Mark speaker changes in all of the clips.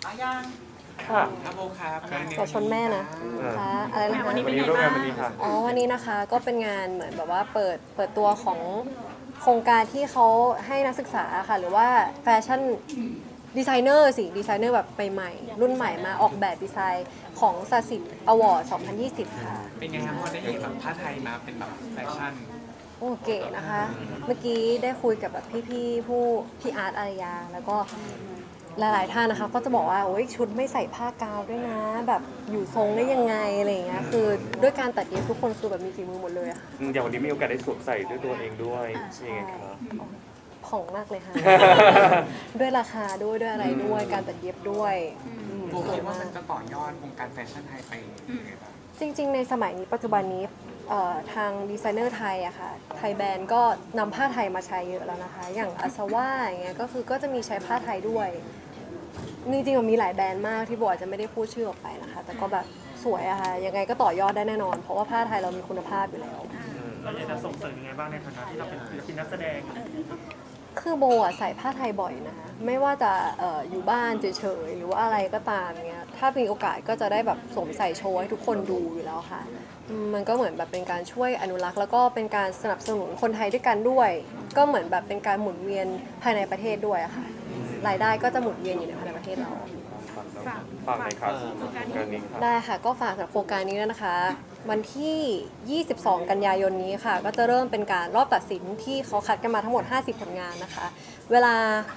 Speaker 1: ยัง
Speaker 2: ค่ะ
Speaker 3: ครับโบครับ
Speaker 4: อย่าชนแม่นะค่ะอะไรนะคะ
Speaker 2: วันนี้ร่วมงานวันนี้ค่ะ
Speaker 4: อ๋อวันนี้นะคะก็เป็นงานเหมือนแบบว่าเปิดตัวของโครงการที่เขาให้นักศึกษาค่ะหรือว่าแฟชั่นดีไซเนอร์ดีไซเนอร์แบบใหม่ๆรุ่นใหม่มาออกแบบดีไซน์ของสสิทธิ์อวอร์ด2020 ค่ะ
Speaker 3: เป็นไงครับพอได้เห็นแบบผ้าไทยมาเป็นแบบแฟชั่น
Speaker 4: โอ้เก๋นะคะ เมื่อกี้ได้คุยกับแบบพี่อาร์ตอารยาแล้วก็หลายๆท่านนะคะก็จะบอกว่าโอ้ยชุดไม่ใส่ผ้ากาวด้วยนะ แบบอยู่ทรงได้ยังไงอะไรอย่างเงี้ยคือด้วยการตัดเย็บทุกคนคือแบบมีฝีมือหมดเลยอะค่ะ
Speaker 2: อย่างวันนี้มีโอกาสได้สวมใส่ด้วยตัวเองด้วยยังไงครับ
Speaker 4: ผ่องมากเลยค่ะ ด้วยราคาด้วยอะไรด้วยการตัดเย็บด้วย
Speaker 3: โบคิดว่ามันจะต่อยอดวงการแฟชั่นไทยไปยังไงบ้าง
Speaker 4: จริงๆในสมัยนี้ปัจจุบันนี้ทางดีไซเนอร์ไทยอะค่ะไทยแบรนด์ก็นำผ้าไทยมาใช้เยอะแล้วนะคะ อย่างอาซาว่าอย่างเงี้ยก็คือก็จะมีใช้ผ้าไทยด้วยจริงๆมันมีหลายแบรนด์มากที่โบอาจจะไม่ได้พูดชื่อออกไปนะคะ แต่ก็แบบสวยอะค่ะยังไงก็ต่อยอดได้แน่นอน เพราะว่าผ้าไทยเรามีคุณภาพอยู่แล้ว
Speaker 5: เราอยากจะส่งเสริมยังไงบ้างในฐานะที่เราเป็นศิลปินนักแสดง
Speaker 4: คือโบอะใส่ผ้าไทยบ่อยนะคะไม่ว่าจะอยู่บ้านเฉยๆหรือว่าอะไรก็ตามเงี้ยถ้ามีโอกาสก็จะได้แบบสวมใส่โชว์ให้ทุกคนดูอยู่แล้วค่ะมันก็เหมือนแบบเป็นการช่วยอนุรักษ์แล้วก็เป็นการสนับสนุนคนไทยด้วยกันด้วย ก็เหมือนแบบเป็นการหมุนเวียนภายในประเทศด้วยอะค่ะรายได้ก็จะหมุนเวียนอยู่ในภายในประเทศเรา
Speaker 2: ฝากเลยครับงานนี้ครับ
Speaker 4: ได้ค่ะก็ฝากสำหรับโครงการนี้ด้วยนะคะ วันที่ 22 กันยายนนี้ค่ะ ก็จะเริ่มเป็นการรอบตัดสินที่เขาคัดกันมาทั้งหมด 50 ผลงานนะคะ เวลา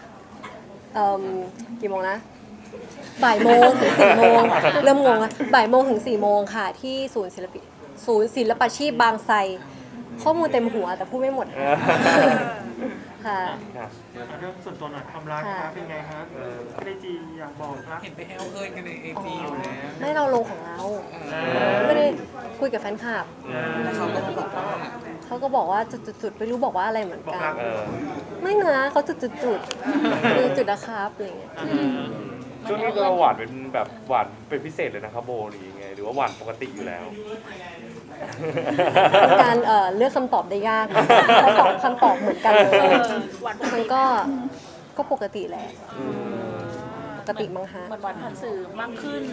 Speaker 4: กี่โมงนะบ่ายโมงถึง4โมงเริ่มงงแล้วบ่ายโมงถึง4โมงค่ะ ที่ศูนย์ศิลปาชีพบางไทรข้อมูลเต็มหัวแต่พูดไม่หมดค่ะ
Speaker 5: เรื่องส่วนตัวหน่อยความรักนะคะเป็นไงครับไม่ได้จีอยากบอกรัก
Speaker 3: เห็นไปแอลเอิญกันในIGอยู่แล้ว
Speaker 4: ไม่เราลงของเราไม่ได้คุยกับแฟนคลับ
Speaker 3: แล้วเขาก็บอกว่า
Speaker 4: เขาก็บอกว่าจุดๆไม่รู้บอกว่าอะไรเหมือน
Speaker 5: บอก
Speaker 4: กัน
Speaker 5: รัก
Speaker 4: ไม่นะเขาจุดคือจุดนะครับอะไรเงี้ย
Speaker 2: ช่วงนี้เราหวานเป็นแบบหวานเป็นพิเศษเลยนะครับโบหรือยังไงหรือว่าหวานปกติอยู่แล้ว
Speaker 4: เป็นการเลือกคำตอบได้ยากถ้าตอบคำตอบเหมือนกันเลยมันก็ปกติแหละปกติมั้งฮะ
Speaker 1: เหมือนวันผ่านสื่อมากขึ้น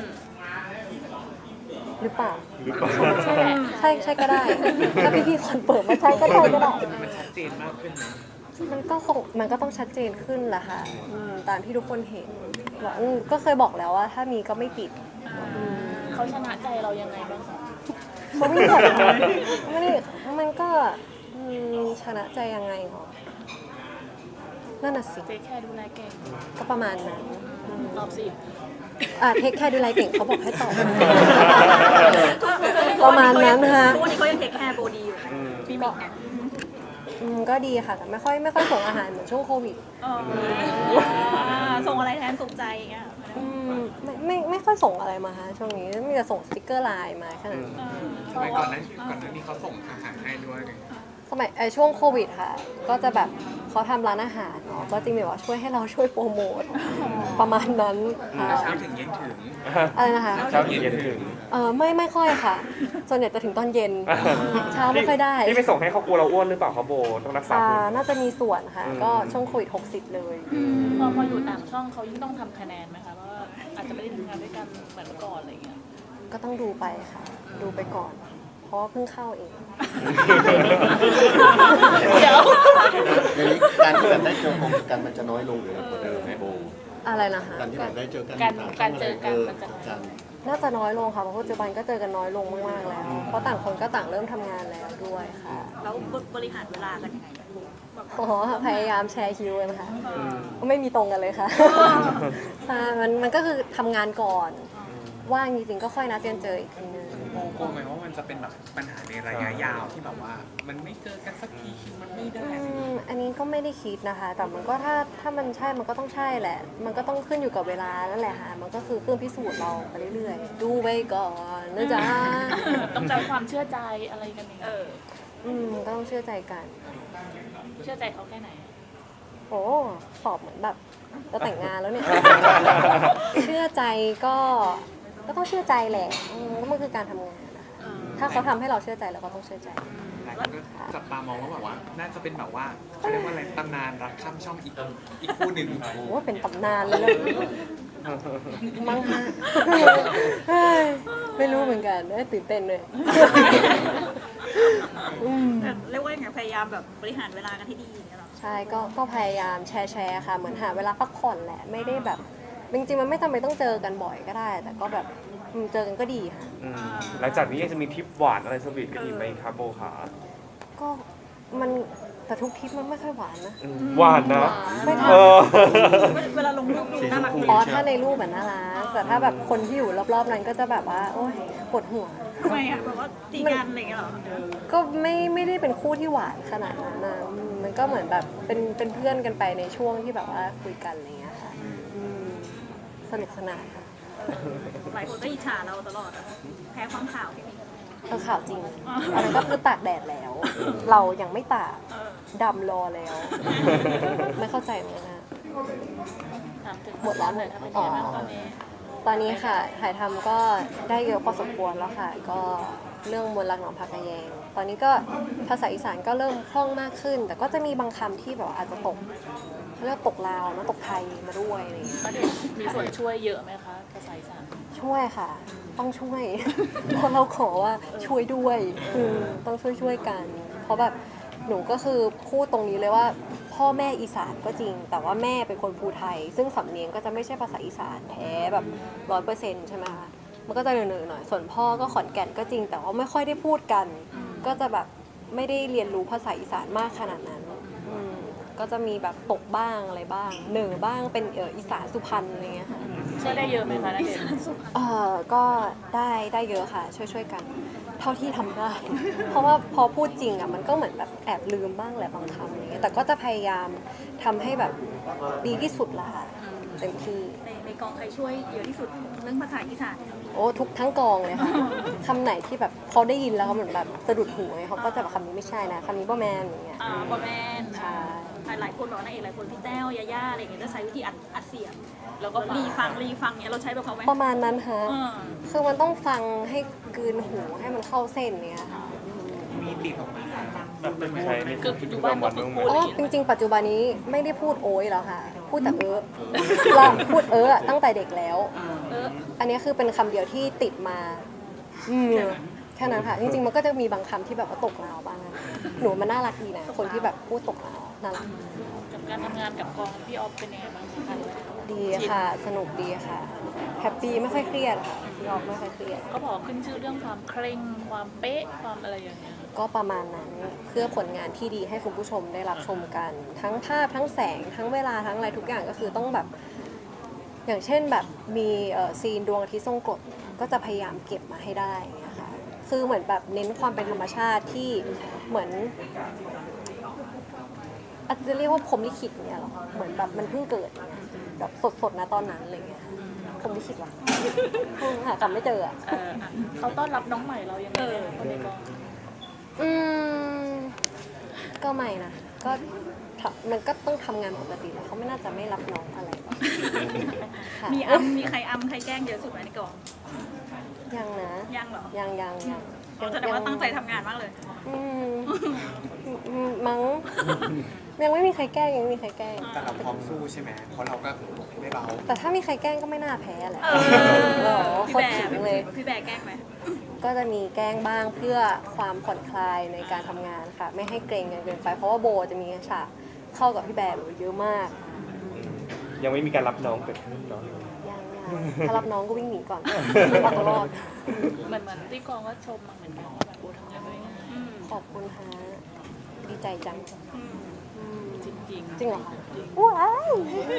Speaker 4: หรือเปล่า
Speaker 2: หรือเปล่า
Speaker 4: ใช่แหละใช่ก็ได้ถ้าพี่คนเปิดมาใช้ก็ได้ก็ได้
Speaker 3: มันชัดเจนมากขึ้นนะ
Speaker 4: มันก็ต้องชัดเจนขึ้นแหละค่ะตามที่ทุกคนเห็นว่าก็เคยบอกแล้วว่าถ้ามีก็ไม่ปิด
Speaker 1: เขาชนะใจเรายังไงบ้างคะ
Speaker 4: เขาไม่ได้มันก็ชนะใจยังไงหรอนั่นน่ะสิ
Speaker 1: เจ๊แค่ดูแลเก่ง
Speaker 4: ก็ประมาณนั้น
Speaker 1: ตอบสิ
Speaker 4: เทคแคร์ดูแลเก่งเขาบอกให้ตอบ ประมาณนั้นนะคะ
Speaker 1: ทุกวันนี้เขายังเทคแคร์โบดีอยู่พี่มิกเนี่ย
Speaker 4: ก็ดีค่ะแต่ไม่ค่อยส่งอาหารเหมือนช่วงโควิด
Speaker 1: ส่งอะไรแทนสุขใจอย่างเงี้ย
Speaker 4: ไม่ค่อยส่งอะไรมาฮะช่วงนี้มีแต่ส่งสติกเกอร์ไลน์มาแค่นั้น
Speaker 3: สมัยก่อนนั้นนี่เขาส่งอาหารให้ด้วยไง
Speaker 4: สมัยช่วงโควิดค่ะ ก็จะแบบเขาทำร้านอาหารเนาะก็จริงแบบว่าช่วยให้เราช่วยโปรโมทประมาณนั้นค่ะ
Speaker 3: เช้าถึงเย็นถึง
Speaker 4: อะไรนะคะ
Speaker 2: เช้าเย็นถึง
Speaker 4: ไม่ค่อยค่ะ ส่วนใหญ่จะถึงตอนเย็น เช้าไม่ค่อยได้
Speaker 2: ที่ไปส่งให้เขากลัวเราอ้วนหรือเปล่าครับโบต้องรักษาคุณ
Speaker 4: น่าจะมีส่วนค่ะ ก็ช่วงโควิด60 เลย
Speaker 1: พออยู่ต่างช่องเขายิ่งต้องทำคะแนนไหมคะว่าอาจจะไม่ได้ทำงานด้วยกันเหมือนเมื่อก่อนอะไรอย่างเงี้ย
Speaker 4: ก็ต้องดูไปค่ะ ดูไปก่อน เพราะว่าเพิ่งเข้าเอง
Speaker 1: เดี๋ยว
Speaker 6: อย่างนี้การที่แบบได้เจอกันมันจะน้อยลงหรือกว่าเดิมไหมโบ
Speaker 4: อะไรนะคะ
Speaker 6: การที่แบบได้เจอกัน
Speaker 1: การเจอกันมันจะ
Speaker 6: กัน
Speaker 4: น่าจะน้อยลงค่ะเพราะปัจจุบันก็เจอกันน้อยลงมากๆแล้ว เพราะต่างคนก็ต่างเริ่มทำงานแล้วด้วยค่ะ
Speaker 1: แล้วบริหารเวลากันยังไง
Speaker 4: อ๋อพยายามแชร์คิวกันค่ะก็ไม่มีตรงกันเลยค่ะใช่มันก็คือทำงานก่อน ว่างจริงๆก็ค่อยนัดกันเจออีกทีนึง
Speaker 3: โมกลัวไหมว่ามันจะเป็นแบบปัญหาในระยะยาวที่แบบว่า มันไม่เจอกันสักทีคิวมันไม่ได้
Speaker 4: อันนี้ก็ไม่ได้คิดนะคะ แต่มันก็ถ้ามันใช่มันก็ต้องใช่แหละ มันก็ต้องขึ้นอยู่กับเวลานั่นแหละค่ะมันก็คือเครื่องพิสูจน์เราไปเรื่อยๆ ดูไปก่อนนะจ๊ะ
Speaker 1: ต้องใช้ความเชื่อใจอะไรกันอย่างเงี้ย
Speaker 4: ก็ต้องเชื่อใจกัน
Speaker 1: เชื่อใจเขาแค่ไหน
Speaker 4: โอ้ตอบเหมือนแบบจะแต่งงานแล้วเนี่ย เชื่อใจก็ต้องเชื่อใจแหละก็มันคือการทำงานนะคะถ้าเขาทำให้เราเชื่อใจเราก็ต้องเชื่อใจ
Speaker 3: หลายคนก็จับตามองว่าแบบว่า น่าจะเป็นแบบว่าเขาเรียกว่าอะไรตำนานรักข้ามช่องอีกคู่หนึ่ง
Speaker 4: โอ้เป็นตำนานเลยนะมั้งฮะเฮ้ยไม่รู้เหมือนกันตื่นเต้นเลยอืม
Speaker 7: แต่เรียกว่าอย่างไงพยายามแบบบริหารเวลากันให้ดีอย่างเงี้ยหรอ
Speaker 4: ใช่ก็พยายามแชร์ค่ะ เหมือนหาเวลาพักผ่อนแหละ ไม่ได้แบบ จริงๆ มันไม่จำเป็นต้องเจอกันบ่อยก็ได้ แต่ก็แบบเจอกันก็ดีค่ะ
Speaker 2: หลังจากนี้ยังจะมีทริปหวานอะไรสวีทกันอีกไหมครับโบขา
Speaker 4: ก็มันแต่ทุกทริปมันไม่ค่อยหวานนะ
Speaker 2: หวานนะ
Speaker 4: ไม่
Speaker 2: เอ
Speaker 4: ทำ
Speaker 7: เวลาลงรูปดูน่ารักดี
Speaker 4: อ๋อถ้าในรูปแบบน่ารักแต่ถ้าแบบคนที่อยู่รอบๆนั้นก็จะแบบว่า โอ๊ยปวดหัว
Speaker 7: ทำไมอ่ะแบบว่าตีกันอะไรอย่างเงี้ยหรอ
Speaker 4: ก็ไม่ได้เป็นคู่ที่หวานขนาดนั้นนะมันก็เหมือนแบบเป็นเพื่อนกันไปในช่วงที่แบบว่าคุยกันอะไรอย่างเงี้ยค่ะสนุกสนานค่ะ
Speaker 7: หลายคนก็อิจฉาเราตลอดอะแพ้ความข่าวพี่มิ้น
Speaker 4: ข่าวจริงอันนั้นก็คือตากแดดแล้ว เรายังไม่ตากดำรอแล้ว ไม่เข้าใจเหมือนกันนะ
Speaker 1: ถามถึง
Speaker 4: หมดแล้ว
Speaker 1: หน่อยถ้าเป็นยังไงบ้างตอนนี้
Speaker 4: ตอนนี้ค่ะถ่ายทำก็ได้เยอะพอสมควรแล้วค่ะ ก็เรื่องมนต์รักหนองผักกะแยง ตอนนี้ก็ภาษาอีสานก็เริ่มคล่องมากขึ้น แต่ก็จะมีบางคำที่แบบว่าอาจจะตกเขาเรียกว่าตกลาวนะตกไทยมาด้วยอะไรอย่างเงี้ย
Speaker 1: ประเด็นมีส่วนช่วยเยอะไหมคะภาษาอีสาน
Speaker 4: ช่วยค่ะ ต้องช่วย เพราะเราขอว่าช่วยด้วยต้องช่วยกัน เพราะแบบหนูก็คือพูดตรงนี้เลยว่า พ่อแม่อีสานก็จริง แต่ว่าแม่เป็นคนภูไทย ซึ่งสำเนียงก็จะไม่ใช่ภาษาอีสานแท้แบบ100%ใช่ไหมคะมันก็จะเหนื่อยๆหน่อยส่วนพ่อก็ขอนแก่นก็จริง แต่ว่าไม่ค่อยได้พูดกัน ก็จะแบบไม่ได้เรียนรู้ภาษาอีสานมากขนาดนั้นก็จะมีแบบตกบ้างอะไรบ้างเหนือบ้างเป็นอีสานสุพรรณอะไรเงี้ยค่ะ
Speaker 1: ช่วยได้เยอะไหมคะนักเรียน
Speaker 4: ก็ได้เยอะค่ะ ช่วยกัน เท่าที่ทำได้ เพราะว่าพอพูดจริงอ่ะมันก็เหมือนแบบแอบลืมบ้างแหละบางคำอะไรเงี้ยแต่ก็จะพยายามทำให้แบบดีที่สุดละค่ะเต็มที่
Speaker 7: ในกองใครช่วยเยอะที่สุดเรื่องภาษาอีสาน
Speaker 4: โอ้ทุกทั้งกองเลยค่ะ คำไหนที่แบบเขาได้ยินแล้วเขาเหมือนแบบสะดุดหูไงเขาก็จะแบบคำนี้ไม่ใช่นะคำนี้บ่แมนอย่างเงี้ย
Speaker 7: บอแมน
Speaker 4: ใช่
Speaker 7: หลายคนบอกนางเอกหลายคนพี่แต้วยาย่าอะไรอย่างเงี้ยจะใช้วิธีอัดเสียง
Speaker 1: แล้วก็
Speaker 7: รีฟังเนี้ยเราใช้แบบเขาไหม
Speaker 4: ประมาณนั้นฮะ
Speaker 7: เออ
Speaker 4: คือมันต้องฟังให้กลืนหูให้มันเข้าเส้นเนี่ยค่ะ
Speaker 3: มีติดออกมา
Speaker 5: แบบเป็น
Speaker 2: ใช่ใน
Speaker 1: คือปัจจุบันก็ฝึกพูด
Speaker 4: อ๋
Speaker 1: อะไร
Speaker 4: อ
Speaker 1: อย่าง
Speaker 4: จ
Speaker 1: เงี้ย
Speaker 4: ริงๆ ปัจจุบันนี้ไม่ได้พูดโอ้ยแล้วค่ะ พูดแต่เราพูดตั้งแต่เด็กแล้ว อันนี้คือเป็นคำเดียวที่ติดมาแค่นั้นค่ะ จริงๆ มันก็จะมีบางคำที่แบบว่าตกลาวบ้าง หนูมันน่ารักดีนะ คนที่แบบพูดตกลาวน่ารัก
Speaker 1: กับการทำงานกับกองพี่ออฟเป็นยังไงบ้างคะ
Speaker 4: ดีค่ะ สนุกดีค่ะ แฮปปี้ไม่ค่อยเครียดค่ะพี่ออกไม่ค่อยเครียด
Speaker 1: เขาบอกขึ้นชื่อเรื่องความเคร่งความเป๊ะความอะไรอย่างเงี้ย
Speaker 4: ก็ประมาณนั้นเพื่อผลงานที่ดีให้คุณผู้ชมได้รับชมกัน ทั้งภาพทั้งแสงทั้งเวลาทั้งอะไรทุกอย่างก็คือต้องแบบ อย่างเช่นแบบมีซีนดวงอาทิตย์ทรงกรดก็จะพยายามเก็บมาให้ได้อย่างเงี้ยค่ะคือเหมือนแบบเน้นความเป็นธรรมชาติที่เหมือนอาจจะเรียกว่าพรหมลิขิตเนี่ยหรอเหมือนแบบมันเพิ่งเกิดเนี่ยแบบสดๆนะตอนนั้นอะไรเงี้ยพรหมลิขิตวะหากลับไม่เจออะ
Speaker 1: เขาต้อนรับน้องใหม่เรายังไงเนี่ยคนในกอง
Speaker 4: ก็ไม่นะก็มันก็ต้องทำงานปกติแหละเขาไม่น่าจะไม่รับน้องอะไรหรอกค่ะ
Speaker 7: มีใครใครแกล้งเยอะสุดไหมในกอง
Speaker 4: ยังนะ
Speaker 7: ยังเหรอ
Speaker 4: ยัง
Speaker 7: แสดงว่าตั้งใจทำงานมากเลย
Speaker 4: มั้งยังไม่มีใครแกล้งยังไม่มีใครแกล้ง
Speaker 3: แต่เราพร้อมสู้ใช่ไหมเพราะเราก็ไม่เบา
Speaker 4: แต่ถ้ามีใครแกล้งก็ไม่น่าแพ้แหละ
Speaker 7: พี่
Speaker 4: โคต
Speaker 7: แบ
Speaker 4: รถึงเลย
Speaker 7: พี่แบร์แกล้งไหม
Speaker 4: ก็จะมีแกล้งบ้างเพื่อความผ่อนคลายในการทำงานค่ะ ไม่ให้เกรงกันเกินไป เพราะว่าโบจะมีฉากเข้ากับพี่แบร์เยอะมาก
Speaker 2: ยังไม่มีการรับน้องเกิดขึ้นเนาะ
Speaker 4: ยังถ้ารับน้องก็วิ่งหนีก่อนเอาตัวรอด
Speaker 1: เหมือนที่กองก็ชมมาเหมือนกันว่าแบบโอ้ทำงานได้ง่าย
Speaker 4: ขอบคุณฮะดีใจจัง
Speaker 1: จริง
Speaker 4: จริงเหรอคะว้าว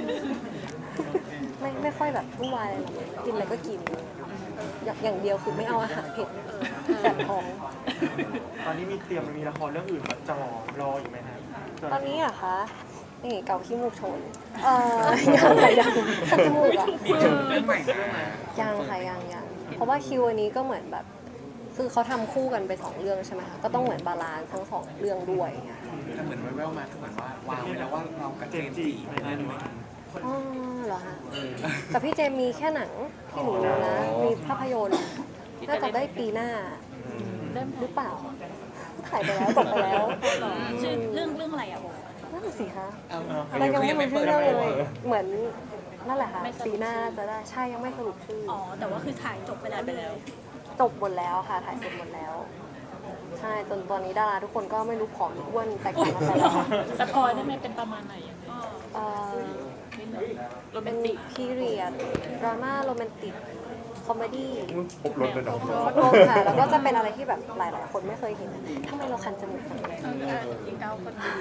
Speaker 4: ไม่ค่อยแบบวุ่นวายอะไรหรอกกินอะไรก็กิน อย่างเดียวคือไม่เอาอาหารเผ็ดแสบท้อง
Speaker 5: ตอนนี้มีละครเรื่องอื่นมาจ่อรออยู่ไหมฮะ
Speaker 4: ตอนนี้อะคะนี่เกาขี้มูกโชนยังค่ะยังถ้าจมูกอะ
Speaker 3: มีเรื่องใหม่ด้วยนะ
Speaker 4: ยังค่ะยังเพราะว่าคิวอันนี้ก็เหมือนแบบ คือเขาทำคู่กันไป2เรื่องใช่ไหมคะก็ต้องเหมือนบาลานซ์ทั้ง2เรื่องด้วยอย่างเงี้ย
Speaker 3: แต่เหมือนแว่วๆมาคือเหมือนว่าวางไว้แล้วว่าเรากับเจมส์จีในเรื่องหนึง
Speaker 4: อ๋อเหรอคะแต่พี่เจมมีแค่หนังที่หนูรู้นะมีภาพยนตร์น่าจะได้ปีหน้า
Speaker 1: ๆเริ่ม
Speaker 4: หรือเปล่าถ่ายไปแล้วจบไปแล้ว
Speaker 7: ชื่อเรื่องอะไรอ่ะโบ
Speaker 4: นั่นนะสิคะ
Speaker 3: เอา
Speaker 4: เรายังไม่รู้ชื่อเรื่องเลยเหมือนนั่นแหละค่ะปีหน้าจะได้ใช่ยังไม่สรุปชื่อ
Speaker 7: อ๋อ แต่ว่าคือถ่ายจบไปแล้ว
Speaker 4: จบหมดแล้วค่ะถ่ายเสร็จหมดแล้ว ใช่จนตอนนี้ดาราทุกคนก็ไม่รู้ผอมหรืออ้วนแตกต่างกันไปแล้ว
Speaker 1: สปอยได้ไหมเป็นประมาณไหนยังไง
Speaker 4: เอ่อ
Speaker 1: นิดหน่อยโรแม
Speaker 4: เป็น น
Speaker 1: ติก
Speaker 4: พีเรียดดราม่าโรแมนติกคอมเมดี้
Speaker 2: ครบรถเลยเนาะ
Speaker 4: ครบรสค่ะแล้วก็จะเป็นอะไรที่แบบหลายๆคนไม่เคยเห็นทำไมเราคันจมูกจังเลย
Speaker 1: ยิงเก้าคนดู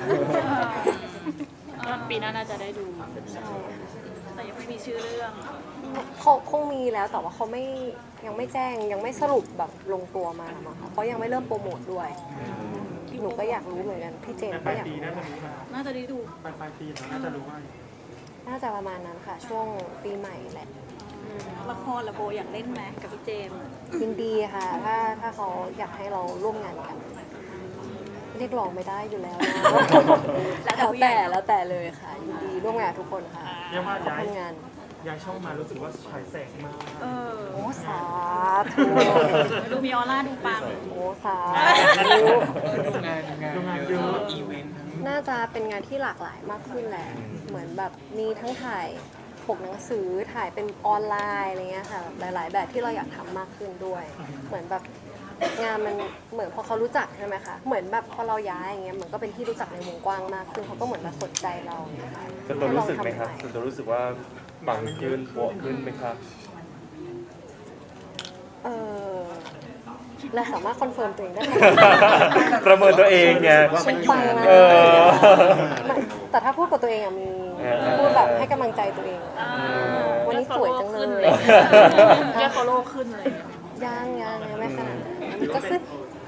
Speaker 1: ปีหน้าน่าจะได้ดู
Speaker 4: ใช่ค่ะ
Speaker 7: แต่ยังไม่มีชื่อเรื่อง
Speaker 4: เขาคงมีแล้วแต่ว่าเขาไม่ยังไม่แจ้งยังไม่สรุปแบบลงตัวมามั้งค่ะเพราะยังไม่เริ่มโปรโมทด้วยหนูก็อยากรู้เหมือนกันพี่เจน
Speaker 5: แต่ป
Speaker 4: ก็
Speaker 5: ลาย
Speaker 4: อยาก
Speaker 5: ปี
Speaker 4: รู้
Speaker 5: น่าจะรู้ค่ะ
Speaker 7: น่าจะได้ดู
Speaker 5: ปลายปีเราน่าจะรู้ว่า
Speaker 4: น่าจะประมาณนั้นค่ะ ช่วงปีใหม่แหละ
Speaker 7: ละครละโบอยากเล่นไหมกับพี่เจมส์
Speaker 4: ยินดีค่ะ ถ้าเขาอยากให้เราร่วมงานกัน เรียกร้องไม่ได้อยู่แล้วนะ แล้วแต่เลยค่ะ ยินดีร่วมงานกับทุกคนค่ะ
Speaker 5: เรียกว่า
Speaker 4: ขอบ
Speaker 5: ย้าย
Speaker 4: คุณงาน
Speaker 5: ย้ายช่องมารู้สึกว่าฉายแสงมาก
Speaker 7: เออ
Speaker 4: โอ้สาธุ
Speaker 7: ดูมีออร่าดูปัง
Speaker 4: โอ้สาธุ
Speaker 3: ดูงานเยอะอีเวนต์ทั้ง
Speaker 4: น่าจะเป็นงานที่หลากหลายมากขึ้นแหละ เหมือนแบบมีทั้งถ่ายปกหนังสือถ่ายเป็นออนไลน์อะไรเงี้ยค่ะหลาย ๆ แบบที่เราอยากทำมากขึ้นด้วย เหมือนแบบงานมันเหมือนพอเขารู้จักใช่ไหมคะเหมือนแบบพอเราย้ายอย่างเงี้ยเหมือนก็เป็นที่รู้จักในวงกว้างมากขึ้นเขาก็เหมือนมาสนใจเราเนี่ยค่ะ
Speaker 2: ส่วนตัวรู้สึกไหมครับ
Speaker 4: ให้
Speaker 2: ส่
Speaker 4: ล
Speaker 2: ว
Speaker 4: อน งทำ
Speaker 2: ตัวรู้สึกว่าปังขึ้นโปะขึ้นไหมครับ
Speaker 4: เออเราสามารถคอนเฟิร์มตัวเองได้ไหม
Speaker 2: ประเมินตัวเองไง
Speaker 6: ว่ามันอยู่
Speaker 4: ปังนะ
Speaker 2: เออ
Speaker 4: ไม่แต่ถ้าพูดกับตัวเองอะมี
Speaker 2: เออ
Speaker 4: พูดแบบให้กำลังใจตัวเองอะวันนี้สวยจังเลย
Speaker 1: แค่ follow ขึ้นเลย
Speaker 4: ยังไม่ขนาดนั้นก็ขึ้น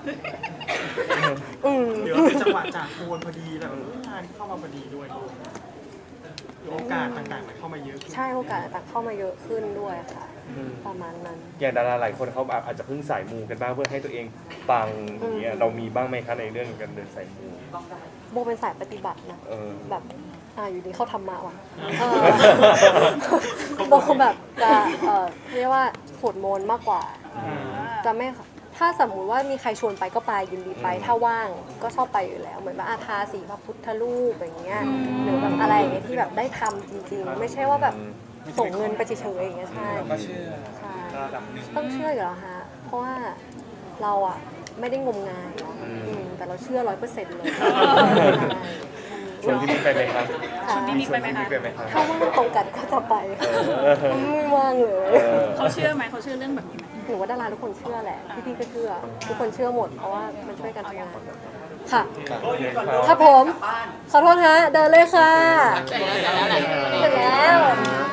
Speaker 5: หรือว่าเป็นจังหวะจากโคนพอดีแล้วงานเข้ามาพอดีด้วยหรือโอกาสต่างๆมันเข้ามาเยอะขึ้น
Speaker 4: ใช่โอกาสต่างเข้ามาเยอะขึ้นด้วยค่ะ ประมาณนั้น
Speaker 2: อย่างดาราหลายคนเขาอาจจะเพิ่งสายมูกันบ้างเพื่อให้ตัวเองปังอย่างเงี้ยเรามีบ้างไหมคะในเรื่องการเดินสายมู
Speaker 4: โบเป็นสายปฏิบัตินะ
Speaker 2: เออ
Speaker 4: แบบอยู่ดีเข้าธรรมะว่ะโบแบบจะเรียกว่าสวดมนต์มากกว่า จะไม่ถ้าสมมุติว่ามีใครชวนไปก็ไปยินดีไป ถ้าว่างก็ชอบไปอยู่แล้ว เหมือนว่าทาสีพระพุทธรูปอย่างเงี้ยหรือแบบอะไรอย่างเงี้ยที่แบบได้ทำจริงๆ ไม่ใช่ว่าแบบส่งเงินไปเฉยๆอย่างเงี้ยใช่
Speaker 3: เราก็เชื่อ
Speaker 4: ใช่
Speaker 3: ระดับหนึ่ง
Speaker 4: ต้องเชื่ออยู่แล้วฮะเพราะว่าเราอ่ะไม่ได้งมงายเนาะแต่เราเชื่อ100%เลย
Speaker 2: ชวนพี่มิกไปไหมครับ
Speaker 4: ค่ะ
Speaker 2: ชวนพี่มิกไปไหมครับ
Speaker 4: ถ้าว่างตรงกันก็จะไปไม่ว่างเลย
Speaker 7: เขาเชื่อไหมเขาเชื่อเรื่องแบบนี้ไหม
Speaker 4: หนูว่าดาราทุกคนเชื่อแหละ พี่ๆก็เชื่อ ทุกคนเชื่อหมด เพราะว่ามันช่วยกันทำงาน ค่ะ ครับผม ขอโทษฮะ เดินเลยค่ะ เสร็จแล้ว